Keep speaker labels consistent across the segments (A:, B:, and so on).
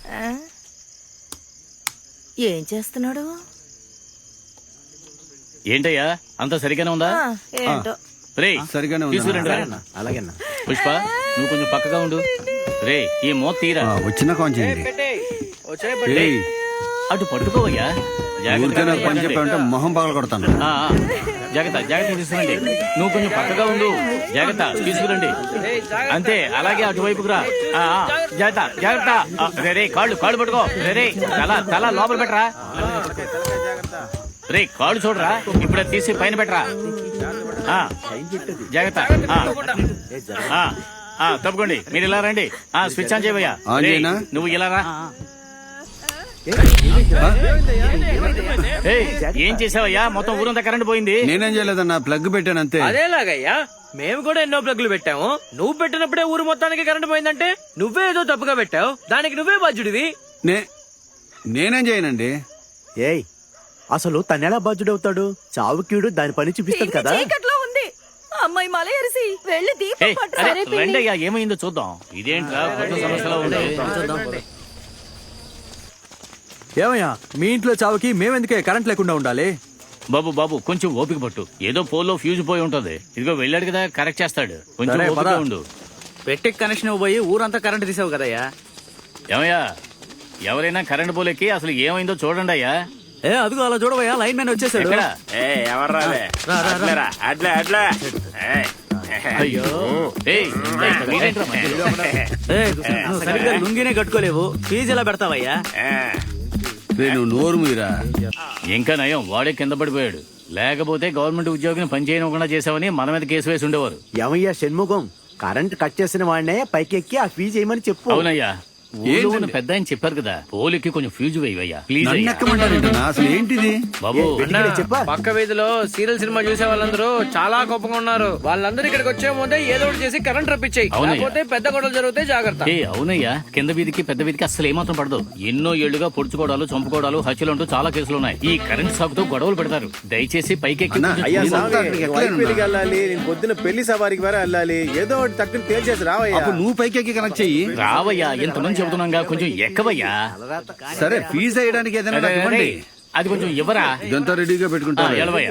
A: ఏం చేస్తున్నాడు?
B: ఏంటయ్యా అంత సరిగానే ఉందా?
A: ఏంటో
B: సరిగానే ఉంది.
C: అలాగేనా
B: పుష్ప నువ్వు కొంచెం పక్కగా ఉండు. రే ఈ మోత తీరా.
C: వచ్చిన కొంచెం
B: అటు పట్టుకోవయ్యా.
C: పని చెప్పామంటే మొహం పగల కొడతాను.
B: జాగ్రత్త జాగ్రత్త తీసుకురండి. నువ్వు కొంచెం పక్కగా ఉండు. జాగ్రత్త తీసుకురండి. అంతే అలాగే అటువైపుకు రా. జాగ్రత్త జాగ్రత్త. రే కాళ్ళు పట్టుకో. రే తల లోపల పెట్టరా. రే కాళ్ళు చూడరా. ఇప్పుడే తీసి పైన పెట్టరా. జాగ్రత్త. తప్పుకోండి. మీరు ఇలా రండి. స్విచ్ ఆన్ చేయవయ్యా. నువ్వు ఇలా రా. ఏం చేసావయ్యా? మొత్తం ఊరంతా కరెంట్ పోయింది.
C: నేనేం చేయలేదన్నా, ప్లగ్ పెట్టాను అంతే.
D: అదేలాగయ్యా మేము కూడా ఎన్నో ప్లగ్లు పెట్టాము. నువ్వు పెట్టినప్పుడే ఊరు మొత్తానికి కరెంట్ పోయిందంటే నువ్వే ఏదో తప్పుగా పెట్టావు. దానికి నువ్వే బాధ్యుడివి.
C: నేనేం చేయనండి.
E: ఏయ్ అసలు తనెలా బాధ్యుడవుతాడు? చావుకీడు దాని పని చూపిస్తాడు కదా.
A: చీకట్లో ఉంది అమ్మాయి మల ఎరిసి వెళ్ళి దీపం పట్టు.
B: రండయ్యా ఏమైందో చూద్దాం. ఇదేంట్రా కొత్త సమస్యలో ఉంది.
E: ఏమయ్యా మీ ఇంట్లో చావుకి మేమెందుకే కరెంట్ లేకుండా ఉండాలి?
B: బాబు కొంచెం ఓపిక పట్టు. ఏదో పోల్లో ఫ్యూజ్ పోయి ఉంటది. ఇదిగో వెళ్ళాడు కదా, కరెక్ట్ చేస్తాడు. కొంచెం ఓపిక ఉండు.
D: పెట్టి కనెక్షన్ పోయి ఊరంతా కరెంట్ తీసావు కదయ్యా.
B: ఏమయ్యా ఎవరైనా కరెంట్ పోలేకి అసలు ఏమైందో చూడండి అయ్యా.
E: అదిగో అలా చూడవయ్యా, లైన్ మ్యాన్ వచ్చేసాడు.
B: అయ్యో
D: సరిగ్గా లుంగినే కట్టుకోలేవు, ఫీజు ఎలా పెడతావయ్యా?
C: నువ్వు నోరు మీరా.
B: ఇంకా నయం వాడే కింద పడిపోయాడు. లేకపోతే గవర్నమెంట్ ఉద్యోగిని పనిచేయకుండా చేసావని మన మీద కేసు వేసి ఉండేవారు.
E: ఏమయ్యా షణ్ముఖం, కరెంట్ కట్ చేసిన వాడినే పైకి ఎక్కి ఆ ఫీజు వేయమని చెప్పు.
B: అవునయ్యా పెద్ద ఆయన చెప్పారు కదా, పోలికి కొంచెం ఫ్యూజ్ వేయవయ్యా ప్లీజ్.
C: అసలు ఏంటిది
B: బాబు?
D: పక్క వీధిలో సీరియల్ సినిమా చూసే వాళ్ళందరూ చాలా కోపంగా ఉన్నారు. వాళ్ళందరూ ఇక్కడికి వచ్చే ముందే ఏదో ఒకటి చేసి కరెంట్ రప్పించాయి. లేకపోతే పెద్ద గొడవలు జరిగితే జాగ్రత్త.
B: అవునయ్యా కింద వీధికి పెద్ద వీధికి అసలు ఏమాత్రం పడదు. ఎన్నో ఏళ్లుగా పొడుచుకోవడాలు, చంపుకోవడాలు, హత్యలు అంటూ చాలా కేసులు ఉన్నాయి. ఈ కరెంట్ సాగుతో గొడవలు పెడతారు. దయచేసి పైకి
F: పొద్దున పెళ్లి సవారికి వేరే వెళ్ళాలి. ఏదో ఒకటి తక్కువ తేల్చేసి రావయ్యా.
C: నువ్వు పైకి కనెక్ట్ చెయ్యి.
B: రావయ్యా ఎంతమంది చెబుతున్నాగా, కొంచెం ఎక్కవయ్యా.
C: సరే ఫీజు వేయడానికి ఏదైనా
B: అది కొంచెం ఇవ్వరా.
C: ఇదంతా రెడీగా పెట్టుకుంటా.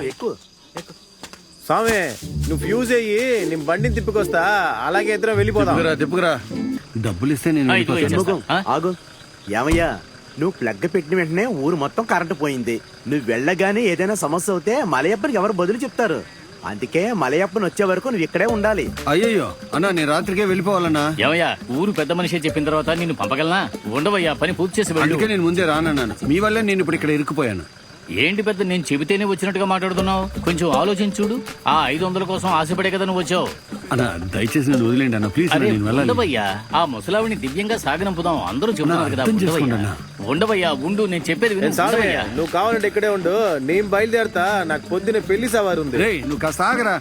F: స్వామి నువ్వు ఫ్యూజ్ అయ్యి నీ బండిని తిప్పుకొస్తా. అలాగే ఇద్దరం వెళ్ళిపోదాం.
C: తిప్పుకురా. డబ్బులు ఇస్తే నేను
E: ఆగు. ఏమయ్యా నువ్వు ప్లగ్ పెట్టిన వెంటనే ఊరు మొత్తం కరెంటు పోయింది. నువ్వు వెళ్ళగానే ఏదైనా సమస్య అవుతే మలయప్పనికి ఎవరు బదులు చెప్తారు? అందుకే మలయప్పని వచ్చే వరకు నువ్వు ఇక్కడే ఉండాలి.
C: అయ్యో అన్నా నేను రాత్రికే వెళ్ళిపోవాలన్నా.
B: ఏమయ్యా ఊరు పెద్ద మనిషి చెప్పిన తర్వాత నిన్ను పంపగలనా? ఉండవయ్యా, పని పూర్తి చేసి.
C: అందుకే నేను ముందే రానన్నాను. మీ వల్లే నేను ఇప్పుడు ఇక్కడ ఇరుక్కుపోయాను.
B: ఏంటి పెద్ద, నేను చెబితేనే వచ్చినట్టుగా మాట్లాడుతున్నావు? కొంచెం ఆలోచించుడు. ఆ 500 కోసం ఆశపడే కదా నువ్వు వచ్చావు.
C: అన్నా దయచేసి నన్ను వదిలేండి అన్న ప్లీజ్.
B: ఉండవయ్యా, ఆ ముసలావిని దివ్యంగా సాగనంపుదాం. అందరూ చెబుతున్నారు కదా. ఉండవయ్యా ఉండు, నేను చెప్పేది
F: నువ్వు కావాలంటే ఇక్కడే ఉండు. నేను బయలుదేరతా. నాకు పొద్దున పెళ్లి సవారు ఉంది.
C: నువ్వు కాస్త ఆగరా.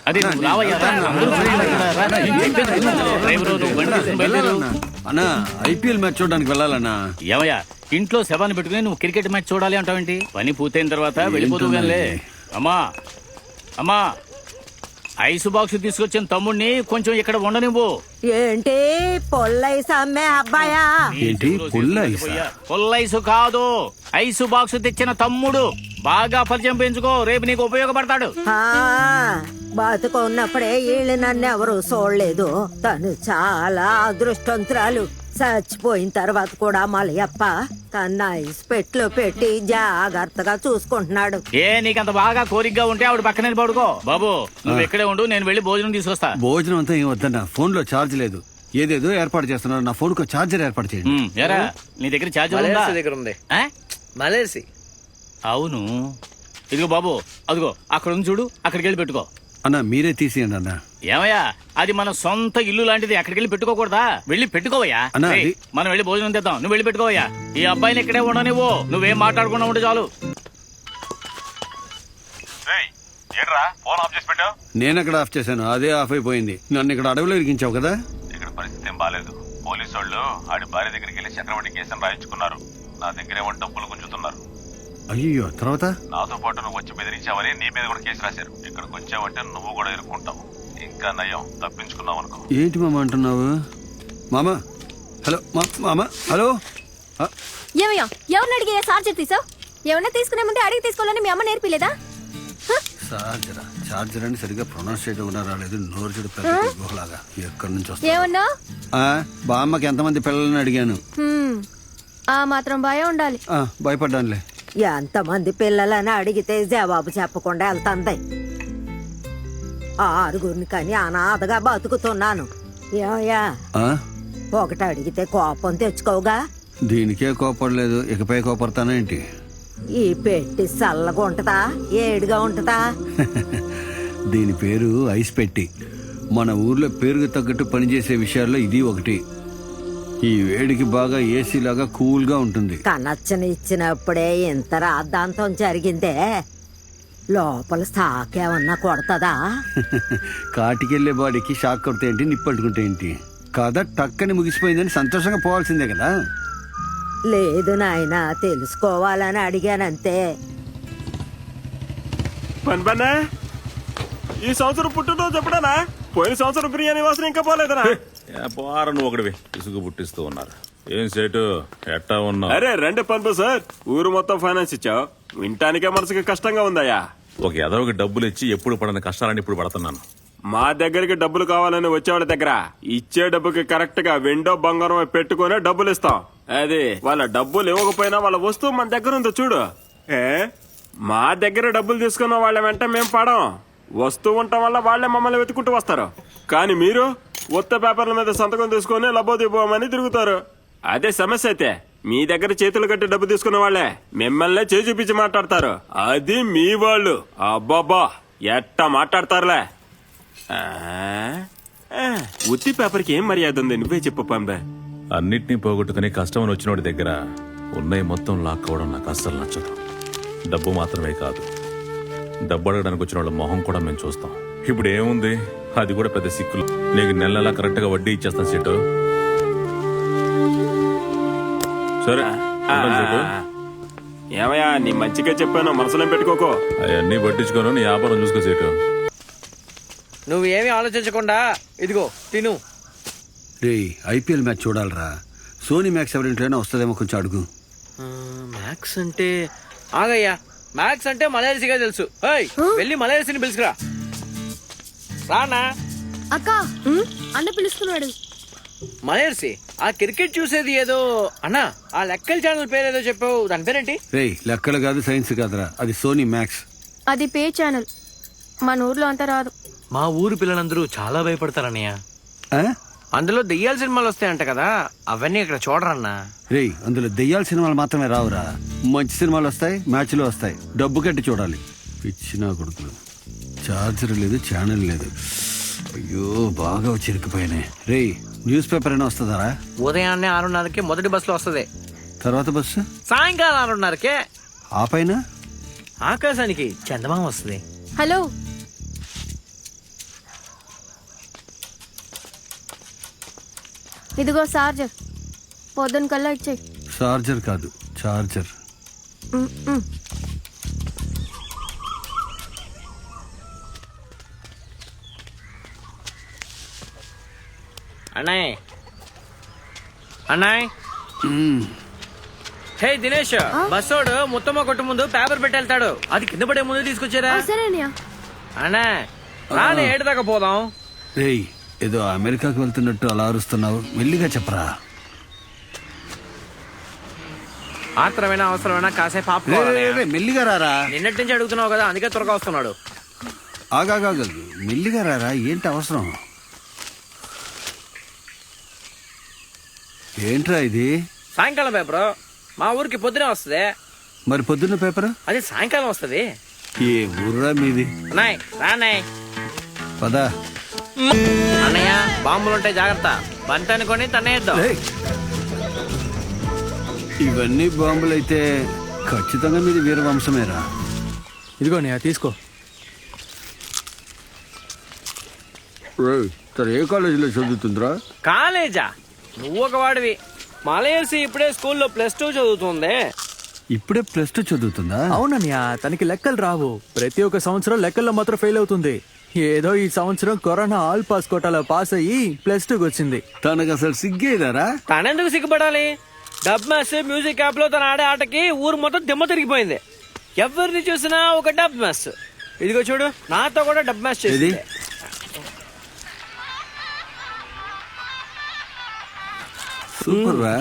C: అన్నా ఐపీఎల్ మ్యాచ్ చూడడానికి వెళ్ళాలన్నా.
B: ఏమయ్యా ఇంట్లో శవాన్ని పెట్టుకుని నువ్వు క్రికెట్ మ్యాచ్ చూడాలి అంటావేంటి? పని పూర్తయిన తర్వాత వెళ్ళిపోతుగానే. అమ్మా ఐస్ బాక్స్ తీసుకొచ్చిన తమ్ముడిని కొంచెం ఇక్కడ ఉండనివ్వు.
A: ఏంటి పొల్లైస్ అమ్మే అబ్బాయా?
C: ఏంటి
B: పొల్లైసు కాదు, ఐసు బాక్స్ తెచ్చిన తమ్ముడు. బాగా పరిచయం పెంచుకో, రేపు నీకు ఉపయోగపడతాడు.
A: బతుకున్నప్పుడే వీళ్ళు నన్ను ఎవరు చూడలేదు. తను చాలా అదృష్టవంతురాలు. చచ్చిపోయిన తర్వాత కూడా మలయప్ప తన ఐస్ పెట్లో పెట్టి జాగ్రత్తగా చూసుకుంటున్నాడు.
B: నీకంత బాగా కోరికగా ఉంటే ఆవిడ పక్కనే పడుకో. బాబు నువ్వు ఎక్కడే ఉండు, నేను వెళ్ళి భోజనం తీసుకొస్తా.
C: భోజనం అంతా ఏం వద్దన్నా, ఫోన్ లో ఛార్జ్ లేదు. ఏదేదో ఏర్పాటు చేస్తున్నారు. నా ఫోన్ కు ఛార్జర్ ఏర్పాటు చేయండి.
B: నీ దగ్గర ఛార్జర్
D: దగ్గర ఉంది. మలేసి
B: అవును. ఇదిగో బాబు, అదిగో అక్కడ ఉంది చూడు, అక్కడికి వెళ్ళి పెట్టుకో.
C: అన్నా మీరే తీసేయండి అన్నా.
B: ఏమయ్యా అది మన సొంత ఇల్లు లాంటిది, అక్కడికి వెళ్ళి పెట్టుకోకూడదా? వెళ్ళి పెట్టుకోవయ్యా. మనం వెళ్ళి భోజనం తెద్దాం, నువ్వు వెళ్ళి పెట్టుకోవయ్యా. ఈ అబ్బాయిని ఇక్కడే ఉండనివ్వు, నువ్వేం మాట్లాడకుండా ఉంటే చాలు.
C: నేను అక్కడ ఆఫ్ చేశాను, అదే ఆఫ్ అయిపోయింది. నన్ను ఇక్కడ అడవిలో ఇరికించావు కదా.
G: ఇక్కడ పరిస్థితి ఏం బాలేదు. పోలీసు వాళ్ళు ఆడి భార్య దగ్గరికి వెళ్ళి చక్రవడ్డీ కేసును రాయించుకున్నారు. నా దగ్గరేమో డబ్బులు గుంజుతున్నారు.
C: అయ్యో తర్వాత
G: నాతో పాటు నువ్వు వచ్చి బెదిరించావని నీ మీద కూడా కేసు రాశారు. ఇక్కడికి వచ్చావంటే నువ్వు కూడా ఇరుక్కుంటావు. ఇంకా నయం తప్పించుకున్నావు అనుకో.
C: ఏంటి మామ అంటున్నావు? మామ హలో, మామ హలో.
H: ఏమయ్యా ఎవరిని అడిగి చార్జర్ తీసావు? ఏమన్నా తీసుకునే ముందే అడిగి తీసుకోవాలని మీ అమ్మ నేర్పిలేదా?
C: చార్జర్ అని సరిగ్గా ప్రొనౌన్స్ చేయడం కూడా రాలేదు. నోరు చెడు పెద్ద గుహలాగా ఎక్కడి నుంచి వస్తా.
H: ఏమన్నా
C: బామ్మకి ఎంతమంది పిల్లలని అడిగాను.
H: ఆ మాత్రం భయం ఉండాలి.
C: భయపడ్డానులే.
A: ఎంతమంది పిల్లలని అడిగితే జవాబు చెప్పకుండా వెళ్తాంది. 6 కానీ అనాథగా బతుకుతున్నాను. ఏమయ్యా, ఒకటి అడిగితే కోపం తెచ్చుకోవుగా?
C: దీనికే కోపడలేదు, ఇకపై కోపడతానా ఏంటి?
A: ఈ పెట్టి చల్లగా ఉంటదా, ఏడుగా ఉంటదా?
C: దీని పేరు ఐస్ పెట్టి. మన ఊర్లో పేరుకు తగ్గట్టు పనిచేసే విషయాల్లో ఇది ఒకటి. ఈ వేడికి బాగా ఏసీ లాగా కూల్ గా ఉంటుంది.
A: కనచ్చని ఇచ్చినప్పుడే ఇంత రాద్ధాంతం జరిగిందే, లోపల సాకేమన్నా కొడతదా?
C: కాటికెళ్లే బాడీకి షాక్ కొడితే ఏంటి, నిప్పట్టుకుంటే ఏంటి? కథ టక్కని ముగిసిపోయిందని సంతోషంగా పోవాల్సిందే కదా.
A: లేదు నాయనా, తెలుసుకోవాలని అడిగానంతే.
I: పని ఈ సంవత్సరం పుట్టినరోజు ఎప్పుడనా? పోయిన సంవత్సరం బిర్యానీ వాసన ఇంకా పోలేదనా?
G: పోరా నువ్వు ఒకటివి ఇసుగు పుట్టిస్తూ ఉన్నారు. ఏం సేటు ఎట్టా ఉన్నా?
I: అరే రండి పనుపు సార్, ఊరు మొత్తం ఫైనాన్స్ ఇచ్చావు, వింటానికే మనసుకి కష్టంగా ఉందయ్యా.
G: ఒక ఎదవకి డబ్బులు ఇచ్చి ఎప్పుడు పడని కష్టాలని ఇప్పుడు పడుతున్నాను.
I: మా దగ్గరికి డబ్బులు కావాలని వచ్చేవాళ్ళ దగ్గర ఇచ్చే డబ్బుకి కరెక్ట్ గా వెండో బంగారం పెట్టుకునే డబ్బులు ఇస్తాం. అది వాళ్ళ డబ్బులు ఇవ్వకపోయినా వాళ్ళ వస్తువు మన దగ్గర ఉందో చూడు. మా దగ్గర డబ్బులు తీసుకున్న వాళ్ళ వెంట మేం పడం. వస్తువు ఉండటం వల్ల వాళ్లే మమ్మల్ని వెతుకుంటూ వస్తారు. కానీ మీరు ఉత్త పేపర్ల మీద సంతకం తీసుకుని లబ్బోదిపోమని తిరుగుతారు. అదే సమస్య అయితే మీ దగ్గర చేతులు కట్టి డబ్బు తీసుకున్న వాళ్లే మిమ్మల్నే చేయి చూపించి మాట్లాడతారు. అది మీ వాళ్ళు. అబ్బాబా ఎట్టా మాట్లాడతారులే. ఉత్తి పేపర్కి ఏం మర్యాద ఉంది, నువ్వే చెప్పు పంబే.
G: అన్నిటినీ పోగొట్టుకుని కష్టమని వచ్చినోడి దగ్గర ఉన్నాయి మొత్తం లాక్కోవడం నాకు అస్సలు నచ్చదు. డబ్బు మాత్రమే కాదు, డబ్బు అడగడానికి వచ్చిన వాళ్ళ మొహం కూడా మేము చూస్తాం. ఇప్పుడు ఏముంది, అది కూడా పెద్ద సిక్కులు. నీకు నెల నెలా కరెక్ట్ గా వడ్డీ ఇచ్చేస్తాను సీటు. సరే
I: ఏమయ్యా, నీ మంచిగా చెప్పాను, మనసులో పెట్టుకోకో.
G: అవన్నీ పట్టించుకోను, నీ వ్యాపారం చూసుకో సీటు.
D: నువ్వేమీ ఆలోచించకుండా ఇదిగో తిను.
C: రే, ఐపీఎల్ మ్యాచ్ చూడాలరా. సోనీ మ్యాక్స్ ఎవరింట్లోనే వస్తుందేమో, కొంచెం అడుగు.
D: మ్యాక్స్ అంటే ఆగయ్యా, మ్యాక్స్ అంటే మలయర్సిగా తెలుసు. వెళ్ళి మలయర్సిని పిలుచుకురా. రానా
H: అక్క, అన్న పిలుస్తున్నాడు.
D: మలయర్సి, ఆ క్రికెట్ చూసేది ఏదో అన్నా, ఆ లెక్కల ఛానల్ పేరేదో చెప్పావు, దాని పేరేంటి?
C: రే, లెక్కలు కాదు సైన్స్ కాదురా, అది సోనీ మ్యాక్స్.
H: అది పే ఛానల్, మన ఊర్లో అంతా రాదు.
D: మా ఊరు పిల్లలందరూ చాలా భయపడతారన్నయ్య. అందులో దెయ్యాల సినిమాలు వస్తాయంట కదా, అవన్నీ ఇక్కడ చూడరన్నా.
C: రే, అందులో దెయ్యాల సినిమాలు మాత్రమే రావురా, మంచి సినిమాలు వస్తాయి, మ్యాచ్లు వస్తాయి. డబ్బు కట్టి చూడాలి. పిచ్చినా కొడుకులు. చార్జర్ లేదు, ఛానల్ లేదు. అయ్యో, బాగా చిరికిపోయినాయి. రే, న్యూస్ పేపర్ అయినా వస్తుందా?
D: ఉదయాన్నే 6:30కి మొదటి బస్సులో వస్తుంది.
C: తర్వాత బస్సు
D: సాయంకాలం 6:30కే.
C: ఆ పైన
D: ఆకాశానికి చందమామ వస్తుంది.
H: హలో, ఇదిగో చార్జర్, పొద్దున కల్లా ఇచ్చేయి.
C: చార్జర్ కాదు, చార్జర్.
D: అన్నాయ్ అన్నాయ్. హే దినేష్, బస్సోడు ముత్తమ్మ కొట్టు ముందు పేపర్ పెట్టి వెళ్తాడు, అది కింద పడే ముందు తీసుకొచ్చారా?
H: సరేనయ్యా.
D: అన్నా రాని, ఏడు దాకా పోదాం.
C: రేయ్, ఏదో అమెరికాకు వెళ్తున్నట్టు అలా అరుస్తున్నావు, మెల్లిగా చెప్పరా.
D: ఆత్రమైనా అవసరమైనా కాసేపు ఆపు.
C: మెల్లిగా రారా.
D: నిన్నటి నుంచి అడుగుతున్నావు కదా, అందుకే త్వరగా వస్తున్నాడు.
C: ఆగాగా, మెల్లిగా రారా, ఏంటి అవసరం? ఏంట్రా ఇది?
D: సాయంకాలం పేపర్ మా ఊరికి పొద్దునే వస్తుంది.
C: మరి పొద్దున్న పేపర్?
D: అది సాయంకాలం వస్తుంది.
C: ఏ ఊర్రా మీది?
D: అన్నాయ్ రాన్నాయ్.
C: పదా.
D: అన్నయ్య, బాంబులుంటాయి, జాగ్రత్త. బంతి అనుకొని తన్నేద్దాం.
C: ఇవన్నీ బాంబులైతే ఖచ్చితంగా మీది వీరవంశమేరా.
F: ఇదిగో నే తీసుకో.
C: ఏ కాలేజీలో చదువుతుందిరా?
D: కాలేజా? నువ్వు ఒక వాడివి. మలయర్సి ఇప్పుడే స్కూల్లో +2 చదువుతుంది.
C: ఇప్పుడే +2 చదువుతుందా?
F: అవునన్నయ్య, తనకి లెక్కలు రావు. ప్రతి ఒక్క సంవత్సరం లెక్కల్లో మాత్రం ఫెయిల్ అవుతుంది. ఏదో ఈ సంవత్సరం కరోనా ఆల్ పాస్ కోటాలో పాస్ అయ్యి +2కి వచ్చింది.
C: తనకు అసలు సిగ్గేదారా?
D: తనెందుకు సిగ్గుపడాలి? డబ్ మాస్టర్ మ్యూజిక్ యాప్ లో తన ఆడే ఆటకి ఊరు మొత్తం దిమ్మ తిరిగిపోయింది. ఎవరిని చూసినా ఒక డబ్ మాస్టర్. ఇదిగో చూడు, నాతో కూడా డబ్ మాస్టర్
C: ఏది?
D: చేసింది.
C: సూపర్ రా.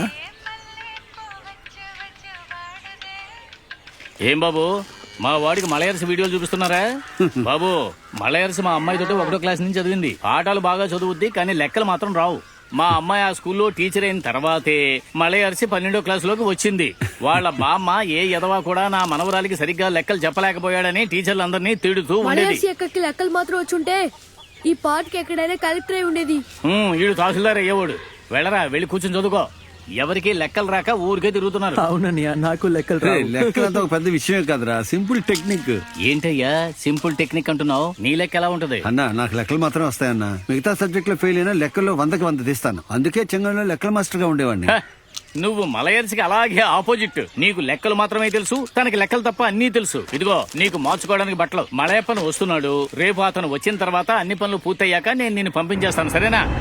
B: ఏం బాబు మా వాడికి మలయర్స్ వీడియోలు చూపిస్తున్నారా? బాబు మలయర్స్ మా అమ్మాయితోటి 1వ క్లాస్ నుంచి చదివింది. పాఠాలు బాగా చదువుద్ది కానీ లెక్కలు మాత్రం రావు. మా అమ్మాయి ఆ స్కూల్లో టీచర్ అయిన తర్వాతే మలయర్సి 12వ క్లాసులోకి వచ్చింది. వాళ్ళ బామ్మ ఏ ఎదవా కూడా నా మనవరాలికి సరిగ్గా లెక్కలు చెప్పలేకపోయాడని టీచర్లందరినీ తిడుతూ ఉండేది.
H: ఎక్కడికి లెక్కలు మాత్రం వచ్చుంటే ఈ పాటకి ఎక్కడైనా కలెక్టర్ అయి ఉండేది.
B: వీడు తహసీల్దార్ అయ్యేవాడు. వెళ్ళరా, వెళ్ళి కూర్చొని చదువుకో. ఎవరికి లెక్కలు రాక ఊరికే తిరుగుతున్నారు.
F: అవునన్నయ్య, నాకు లెక్కలు రావు.
C: లెక్కలంతా ఒక పెద్ద విషయమే కాదురా, సింపుల్ టెక్నిక్.
B: ఏంటయ్యా సింపుల్ టెక్నిక్ అంటున్నావు? నీ లెక్క ఎలా ఉంటది?
C: అన్నా నాకు లెక్కలు మాత్రం వస్తాయన్న. మిగతా సబ్జెక్ట్ లో ఫెయిల్ అయినా లెక్కల్లో 100కి 100 తీస్తాను. అందుకే చెంగంలో లెక్కల మాస్టర్ గా ఉండేవాడిని.
B: హ, నువ్వు మలయర్స్కి అలాగే ఆపోజిట్. నీకు లెక్కలు మాత్రమే తెలుసు, తనకి లెక్కలు తప్ప అన్నీ తెలుసు. ఇదిగో నీకు మార్చుకోవడానికి బట్టలు. మలయప్పను వస్తున్నాడు. రేపు అతను వచ్చిన తర్వాత అన్ని పనులు పూర్తయ్యాక నేను నిన్ను పంపించేస్తాను, సరేనా?